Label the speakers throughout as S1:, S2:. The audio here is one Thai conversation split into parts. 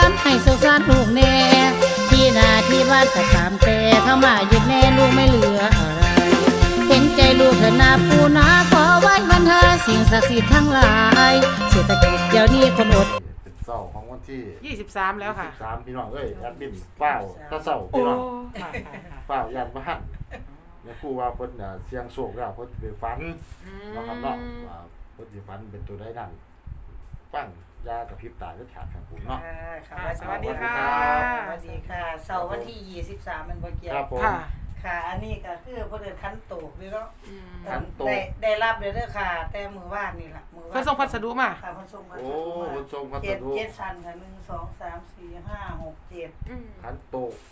S1: รให้สุขสันต์ลูกแน่ที่นาที่บ้านก็ตามแต่เข้ามาหยุดแน่ลูกไม่เหลืออะไรเห็นใจลูกเถิดนาปูนาขอไว้บรรเทาสิ่งศักดิ์สิทธิ์ทั้งหลายเศรษฐกิจเดี๋ยวนี้คนอด
S2: เป็นเสาร์ของวันที่
S3: 23แล้วค่ะ
S2: 23พี่น้องเอ้ยแอดมินเฝ้าตะเสาร์พี่น้องเฝ้าย่านบ้านเนี่ยครูว่าเพิ่นเสียงโศกแล้วเพิ่นไปฝันเนาะครับเนาะว่าเพิ่นสิฝันเป็นตัวใดนั่นฟังยากระพริบตาก็ขาดครับผมเนาะ
S3: สวัสดีค่ะ
S1: สวัสดีค่ะเสาร์วันที่23มันบ่เกี่ยว
S2: ครับผม
S1: ค่ะอันนี้ก็คือเพิ่นเดินคันโตกนี่เนาะ
S2: คันโตก
S1: ได้รับเด้อค่ะแต่มื้อวานนี่ล่ะมื้อวาน
S3: เพิ่นส่งพัสดุมา
S1: ค่ะเพิ่นส่งพัสดุ
S2: โอ้เพิ่นส่งพัสดุ
S1: 7ชั้นค่ะ1 2 3 4 5 6 7
S2: คันโตก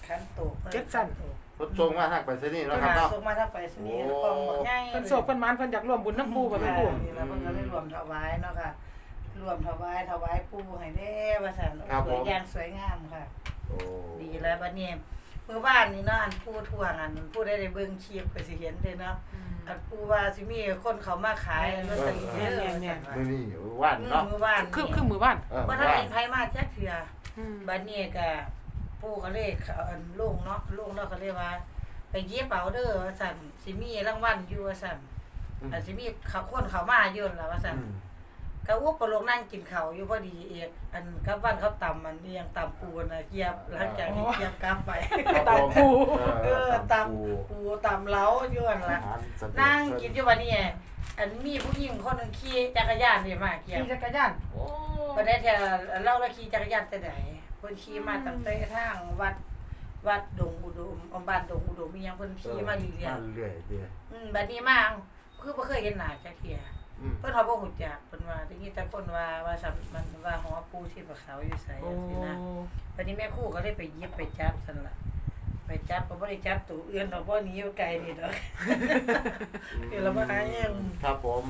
S3: 7ชั้น
S2: เพิ่นส่งมาทางไปรษณีย์เนาะครับเนาะ
S1: ส่งมาทางไปรษณีย์กล่องบักใหญ่
S3: เพิ่นโศกเพิ่นหมานเพิ่นอยากร่วมบุญน้ำปู่กับแม่ปู่
S1: นี่แล้วเพิ่นก็เลยรวมถวายเนาะค่ะรวมถวายปู่ให้แน่ว่าซั่นสวยอย่างสวยงามค่ะ
S2: โอ้
S1: ดีแล้วบัดนี้มื้อบ้านนี่เนาะอันปู่ทวงอันผู้ได้เบิ่งคลิปก็สิเห็นเด้เนาะอันปู่ว่าสิมีคนเขามาขายลอตเตอรี่
S2: เนี่ยมื้อนี้ว่านเนาะ
S1: มื้อบ้าน
S3: คือมื้อบ้าน
S1: บ่ทันเห็นไผมาจักเทื่อบัดนี้ก็ปู่ก็เลยอันลุงเนาะลุงเนาะก็เลยว่าไปเย็บเอาเด้อว่าซั่นสิมีรางวัลอยู่ว่าซั่นอันสิมีคนเขามาอยู่ล่ะว่าซั่นก็อุปโลกนั่งกินข้าวอยู่พอดีเอกอันกับวันเขาตำมันเรียงตำปูน่ะเกียบหลังจากที่เกียบกลับไป
S3: ตำปู
S1: ตำปูตำเล้าอยู่นั่นล่ะนั่งกินอยู่บัดนี้อันมีผู้หญิงคนนึงขี่จักรยานนี่มาเกียบ
S3: ขี่จักรยาน
S1: โอ้บ่ได้แท้เล่าแล้วขี่จักรยานแต่ไหนเพิ่นขี่มาตั้งแต่ทางวัดดงอุดมบ้านดงอุดมมีหยังเพิ่นขี่มาเรื่
S2: อยๆเด้
S1: บัดนี้มาคือบ่เคยเห็นหน้าจักเที่ยเพิ่นเฮาบ่ฮู้จักเพิ่นว่าได้ยินแต่คนว่ามันว่าหอปูที่ปะเขาอยู่ไสจังซี่นะบัดนี้แม่ครูก็เลยไปหยิบไปจับซั่นล่ะไปจับก็บ่ได้จับตัวอื่นดอกบ่หนีอยู่ไกลนี่ดอกคือเราบ่หาหยัง
S2: ครับผม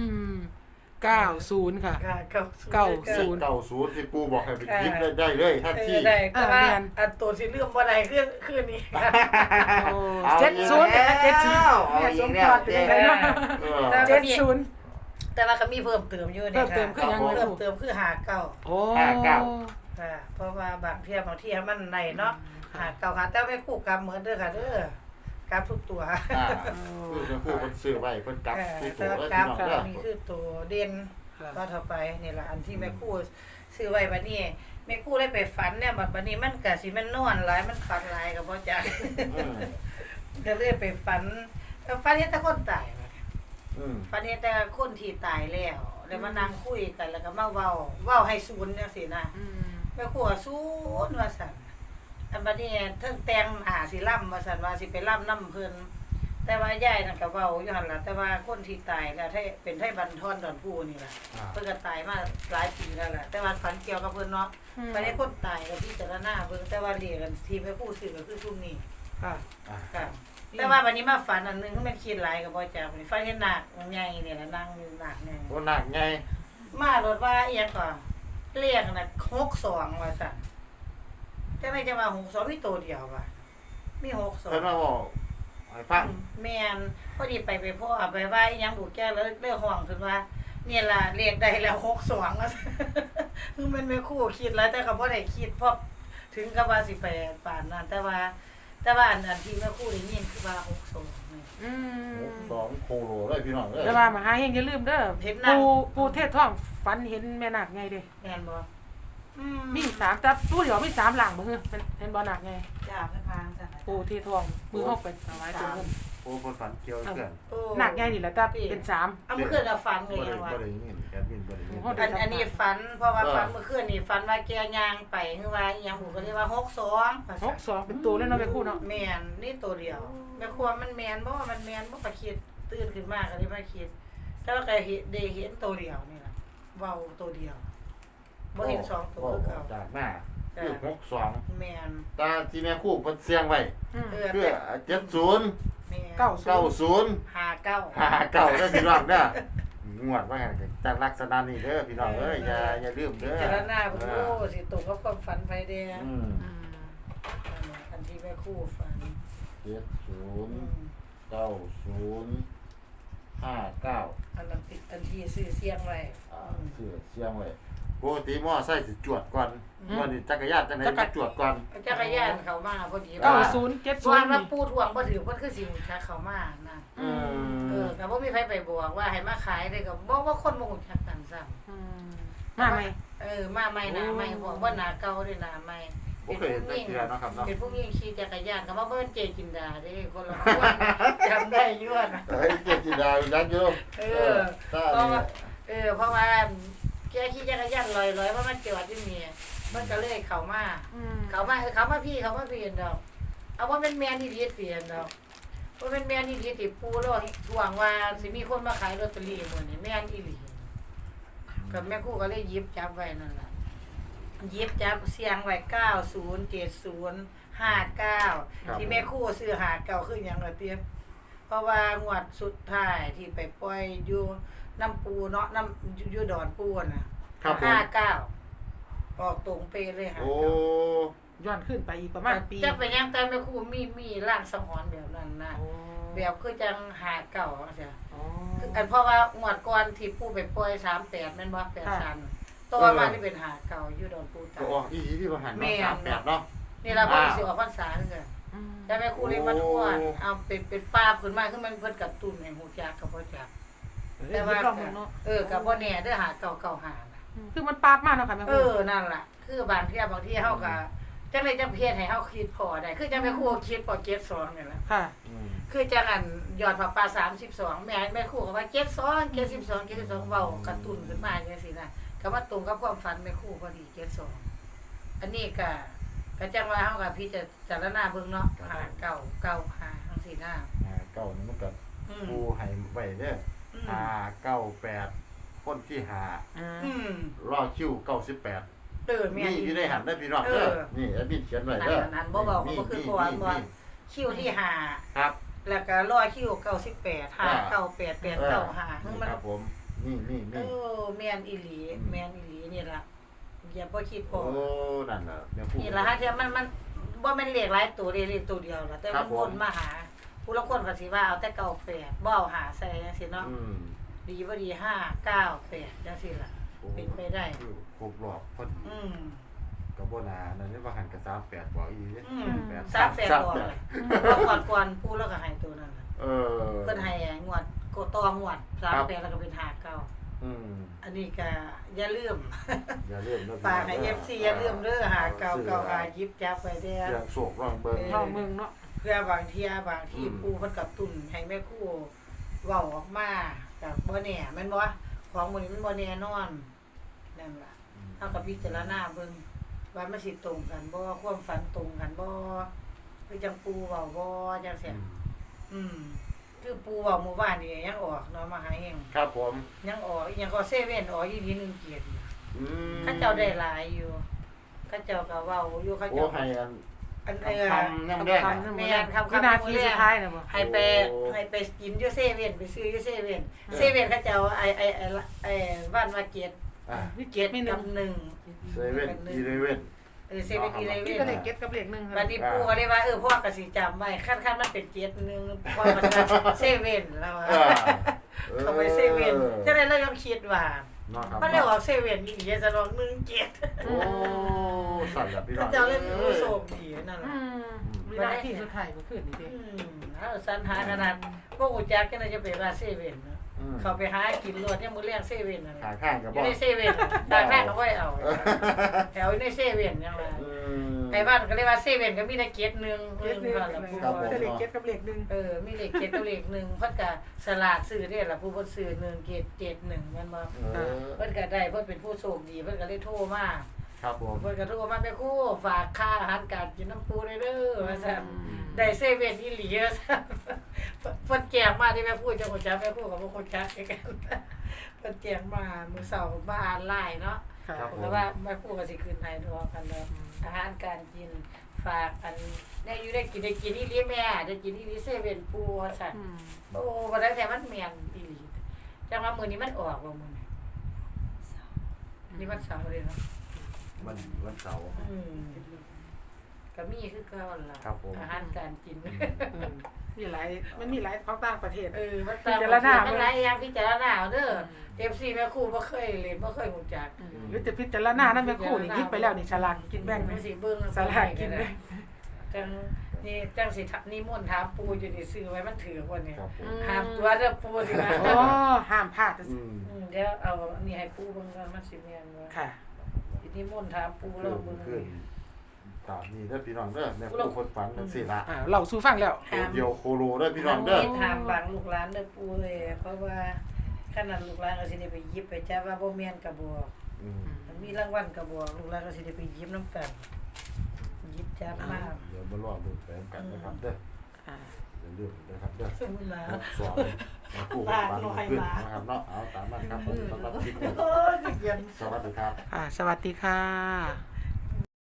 S3: 90ค่ะ
S2: 90ที่ปู่บอกให้ไปหยิบได้เลยทันที
S1: ได้แต่ว่าอันตัวที่ลืมบ่ได้คือนี่
S3: 70เนี่ยสมพรเป็นไงเนาะ70
S1: แต่ว่าก็มีเพิ่มเติมอยู่นี่ค่ะ
S3: เพิ่ม
S1: เติมคือ59
S3: โอ้
S1: ค่ะเพราะว่าบางเที่ยมันได้เนาะ59ค่ะแต่ไม่คู่กรรมเหมือนเด้อค่ะเด้อกรรมทุกตัว
S2: คือจะคู่เพิ่นซื้อไว้เพิ่นกลับทุกตัว
S1: กรรมนี่คือตัวเด่นก็เท่าไปนี่ล่ะอันที่แม่ครูซื้อไว้บัดนี้แม่ครูได้ไปฝันเนี่ยบัดนี้มันก็สิมันนอนหลายมันฝันหลายก็บ่จักก็เลยไปฝันเฮ็ดแต่คนตายฝันเห็นแต่คนที่ตายแล้วมานั่งคุยกันแล้วก็มาเว้าให้ศูนย์จังซี่นะแม่ครูศูนย์ว่าซั่นอันบัดนี้เทิงแต่งสิล่ำว่าซั่นว่าสิไปล่ำนำเพิ่นแต่ว่ายายนั่นก็เว้าอยู่หั่นล่ะแต่ว่าคนที่ตายแล้วเป็นไทบันทอนดอนผู้นี่ล่ะเพิ่นก็ตายมาหลายปีแล้วล่ะแต่ว่าฝันเกี่ยวกับเพิ่นเนาะไปได้คนตายก็พิจารณาเบิ่งแต่ว่าเรียกกันที่แม่ครูซื้อก็คือซุมนี้ค่ะแต่ว่าวันนี้มาฝันอันนึงคือมันคิดหลายก็บ่จักนี่ฝันเห็นนาคใหญ่นี่ล่ะนั่งอยู่นาคใหญ่
S2: โอ้นาคใหญ่
S1: มารถว่าอีหยังก่อนเรียกน่ะ62ว่าซั่นแต่ไม่จะว่า62มีตัวเดียวว่ะมี62
S2: เพิ่นมาบอกให้ฟัง
S1: แม่นพอดีไปพ่อไปว่าอีหยังบุกแก้แล้วเรื่องห้องขึ้นว่าเนี่ยล่ะเรียกได้แล้ว62ว่าคือมันไม่คู่คิดแล้วแต่ก็บ่ได้คิดเพราะถึงกับว่าสิไปปานนั้นแต่ว่าอันที่แม่ครูได้ยินคือว่า62นี่
S2: 62โคโลเลยพี่น้องเอ้ย
S3: แต่ว่ามหาเฮงอย่าลืมเด้อปู่เทศทองฝันเห็นแม่นาคไงเด้
S1: แม่นบ่
S3: มี3แต่ปู่เดี๋ยวมี3หลังบ่คือเป็นบ่นาคไง
S1: จ้าพระพางซั่น
S3: ปู่เทศทองมือเฮาไปถวายตัวเงิน
S2: โอ้เพิ่นฝันเกี่ยวกัน
S3: นาคไงนี่แหละแต่เป็น3
S1: เอาเมื่อคืนก็ฝันเลยว่า
S2: บ่ได้ยินแอดมินบ่ได้ยิน
S1: อันนี้ฝันเพราะว่าฝันเมื่อคืนนี่ฝันว่าแกย่างไปคือว่าอีหยังหูก็เรียกว่า
S3: 62เป็นตัวแล้วเนาะแม่ครูเนาะ
S1: แม่นนี่ตัวเดียวแม่ครูมันแม่นบ่ว่ามันแม่นบ่ก็คิดตื่นขึ้นมาก็เลยมาคิดแต่ว่าก็ได้เห็นตัวเดียวนี่ล่ะเว้าตัวเดียวบ่เห็น2ตัวคือเก่า
S2: จากหน้าคือ62
S1: แม่น
S2: ตาที่แม่ครูเพิ่นเสียงไว้คือ70
S1: แม่น
S2: 90
S1: 59
S2: เด้อพี่น้องเด้องวดว่าจากลักษณะนี้เด้อพี่น้องเอ้ยอย่าลืมเด้อ
S1: พิจารณาเพิ่นโอ้สิตกกับความฝันไปเด้ออันที่แม่ครูฝัน
S2: 70 90 59
S1: อันนั้นอันที่ซื้อเสียงไว้
S2: ซื้อเสียงไว้ปกติมอไซค์สิจวดก่อนวันนี้จักรยานจังได๋จักจวดก่อน
S1: จักรยานเขามาพอดี
S3: 90
S1: ส่วน
S3: 70
S1: ว่า
S3: นี่
S1: ปูทวงบ่ถือเพิ่นคือสิฮู้จักเขามานะ แต่บ่มีใครไปบอกว่าให้มาขายได้ก็บ่ว่าคนบ่ฮู้จักกันซ้ำ
S3: มาไหม
S1: มาใหม่หน้าใหม่บอกว่าหน้าเก่าเด้หน้าใหม่
S2: บ่เคยเห็นจักเทื่อเนาะครับเนาะ
S1: เป็นผู้หญิงขี่จักรยานก็ว่าเบิ่นเจจินดาเด้คนละคนจำได้อยู่นะ
S2: เฮ้ยเจจิดายักษ์อยู่
S1: เพราะว่าแกขี่จักรยานลอยๆเพราะมันจอดอยู่นี่มันก็เลยเข้ามาพี่ดอกเอาว่าเป็นแม่นอีหลีเปลี่ยนดอกว่าเป็นแม่นอีหลีติปูแล้วหวังว่าสิมีคนมาขายลอตเตอรี่มื้อนี้แม่นอีหลีกับแม่ครูก็เลยหยิบจับไว้นั่นล่ะหยิบจับเสียงไว้907059ที่แม่ครูซื้อ59คือหยังล่ะเตี้ยเพราะว่างวดสุดท้ายที่ไปปล่อยอยู่น้ำปูเนาะน้ำอยู่ดอนปูน่ะ59ออกตรงเป๊ะเลยค่ะ
S2: โอ้
S3: ย้อนขึ้นไปอีกประมาณปี
S1: จักไปยังแต่แม่ครูมีร่างสังหรณ์แบบนั้นนะแบบคือจัง59จังซี่อันเพราะว่างวดก่อนที่ปู่ไปปล่อย38แม่นบ่83ตัวมานี่เป็น59อยู่ดอนปูตา
S2: ก็ออกอีหลีที่ว่าหันเนาะ38เนาะ
S1: นี่ล่ะบ่สิออกพรรษาคือกันแต่แม่ครูเลยมาทวนเอาเป็นป้าขึ้นมาคือมันเพิ่นกระตุ้นให้ฮู้จักก็บ่จักแต่ว่าก็บ่แน่เด้อ5995น่ะ
S3: คือมันปราบมาเนาะค่ะแม่ครู
S1: นั่นล่ะคือบางเที่ยบางที่เฮาก็จังได๋จังเพียรให้เฮาคิดพอได้คือจังแม่ครูคิดพอเก็บ2นี่ล่ะ
S3: ค่ะ
S1: คือจังอันยอดพระป่า32แม่ครูก็ว่าเก็บ2เก็บ12เก็บ12เว้ากระตุ้นขึ้นมาจังซี่นะก็มาตรงกับความฝันแม่ครูพอดีเก็บ2อันนี้ก็จังว่าเฮาก็พิจารณาเบิ่งเนาะ5 9 9 5จังซี่นะ
S2: เก่านี่มันก็ปูให้ไว้เด้อ598คนที่5รอคิว98
S1: แม่น
S2: อยู่ในหันได้พี่น้องเด้อนี่แอดมินเขียนไว้เด้อ
S1: นั่นบ่บอกก็คือเพราะว่าคิวที่5
S2: ครับ
S1: แล้วก็รอคิว98 598 895มัน
S2: ครับผมนี่
S1: แม่นอีหลีนี่ล่ะอย่าบ่คิดพอ
S2: โอ้นั่นน่ะแม่พูด
S1: นี่ล่ะฮะที่มันบ่แม่นเลขหลายตัวเลขตัวเดียวล่ะแต่มันวนมาหาผู้ละคนก็สิว่าเอาแต่98บ่เอาหาใส่จังซี่เนาะดีบ่ดี598จังซี่ล่ะเป็นไปได้
S2: ครบรอบพอดีก็บ่น่านั่นนี่ว่าหันก็38บ่อีเด้
S1: 38บ่ก่อนผู้แล้วก็ให้ตัวนั้นเพิ่นให้งวดโกตองวด38แล้วก็เป็น59อันนี้ก็อย่าลืมฝากให้ FC อย่าลืมเด้อ5995หยิบจับไว้เด้อ
S2: อย่างโศกร้องเบิ่ง
S3: เนาะ
S1: เพื่อบางที่ปู่เพิ่นกระตุ้นให้แม่ครูเว้าออกมาก็บ่แน่แม่นบ่ของมื้อนี้มันบ่แน่นอนนั่นล่ะเฮาก็พิจารณาเบิ่งว่ามันสิตรงกันบ่ความฝันตรงกันบ่คือจังปู่เว้าบ่จังซี่คือปู่เว้าเมื่อวานนี่ยังออกเนาะมาหาเอง
S2: ครับผม
S1: ยังออกยังก็เซเว่นออกอีกทีนึงเกียรติเขาเจ้าได้หลายอยู่เขาเจ้าก็เว้าอยู่เขาเจ้า
S2: ให้
S1: อัน
S2: คำนำแดง
S1: แม่นคำ
S3: นาทีสุดท้ายน่ะบ่
S1: ให้ไปกินอยู่เซเว่นไปซื้ออยู่เซเว่นเขาเจ้าไอ้บ้านมาเกียรติเกียรติมี1
S2: เซเว่นอีเลเว่น
S1: เซเว่นอีเลเว่น
S3: ก็เลยเก็ตกับเลข1
S1: บัดนี้ปู่ก็เลยว่าพ่อก็สิจำไว้คันมันเป็นเกียรติ1พ่อก็เซเว่นแล้วเขาไปเซเว่นจังได๋เรายังคิดว่ามันเลยออกเซเว่นอีกจะลอง1เกียรติ
S2: โอ้สั่นล่ะพี่น้อง
S1: เจ้าเลยผู้โชคดีนั่นล่ะ
S3: วินาทีสุดท้ายก็คือนี่เด้
S1: สันหาขนาดบ่ฮู้จักจังได๋จะไปว่าเซเว่นเขาไปหากินรวดยังมื้อแรกเซเว่นนั่นแหละ
S2: ข้างก็บ่
S1: อยู่ในเซเว่นข้างก็บ่ได้เอาแถวในเซเว่นจังว่าไอ้บ้านก็เรียกว่าเซเว่นก็มีแต่เกียรติ1นั่นล่ะผู้ว่า
S3: เลขเกียรติกับเลข1
S1: มีเลขเกียรติกับเลข1เพิ่นก็สลากซื้อเด้ล่ะผู้เพิ่นซื้อ1เกียรติ71แม่นบ่เพิ่นก็ได้เพิ่นเป็นผู้โชคดีเพิ่นก็เลยโทรมา
S2: ครับผม
S1: เพิ่นก็โทรมาแม่ครูฝากค่าอาหารการกินน้ำปูได้เด้อว่าซั่นได้เซเว่นอีหลีซั่นเพิ่นแจกมาที่แม่ครูจังฮู้จักแม่ครูก็บ่ฮู้จักคือกันเพิ่นแจกมามื้อเช้ามาอ่านไลน์เนาะแต่ว่าแม่ครูก็สิขึ้นให้ดอกกันแล้วอาหารการกินฝากอันได้อยู่ได้กินอีหลีแม่ได้กินอีหลีเซเว่นปูว่าซั่นโอ้บ่ได้แต่มันแม่นอีหลีจังว่ามื้อนี้มันออกบ่มื้อนี้มันเสาร์เลยเนาะ
S2: วันเสาร์
S1: ก็มีคือเก่าล่ะอาหารการกิน
S3: มีหลายมันมีหลายของต่างประเทศ
S1: มันตามพิจารณามันหลายอย่างพิจารณาเด้อ FC แม่ครูบ่เคยเล่นบ่เคยรู้จัก
S3: หรือจะพิจารณานั่นแม่ครู่นี่ยิบไปแล้วนี่ฉลากกินแบ่ง
S1: มันสิเบิ่ง
S3: ฉลากกินแบ่ง
S1: จังสินิมนต์ถามปู่อยู่นี่ซื้อไว้มันถือบ่เนี่ย
S2: ครับผม
S1: ห้ามตัวเด้อปู่สินะ
S3: โอ้ห้ามพลาด
S1: เดี๋ยวเอาอันนี้ให้ปู่เบิ่งก่อนมันสิแม่นบ่
S3: ค่ะ
S1: นิมนต์ถามปู่เราเบิ่ง
S2: ขึ้นตามนี้เด้อพี่น้องเด้อแม่ครูคนฝันจังซี่ล่ะ
S3: เราสู่ฟังแล้ว
S2: ตัวเดียวโคโลเด้อพี่น้องเด้อ
S1: ถามบางลูกหลานเด้อปู่เอ้ยเพราะว่าขนาดลูกหลานก็สิได้ไปหยิบไปจับว่าบ่แม่นก็บ่ มันมีรางวัลก็บ่ลูกหลานก็สิได้ไปหยิบนำกันหยิบจับมา
S2: เดี๋ยวมารอดูแฝงกันนะครับเด้ออย่าลืมนะครับเด้อ
S1: สมุนมา
S2: สอนมาคู่กับปันขึ้นนะครับเนาะเอาตามนั้นครับผมสำหรับคลิปนี้
S1: โอ้ยเย็น
S2: สวัสดีครับ
S3: สวัสดีค่ะ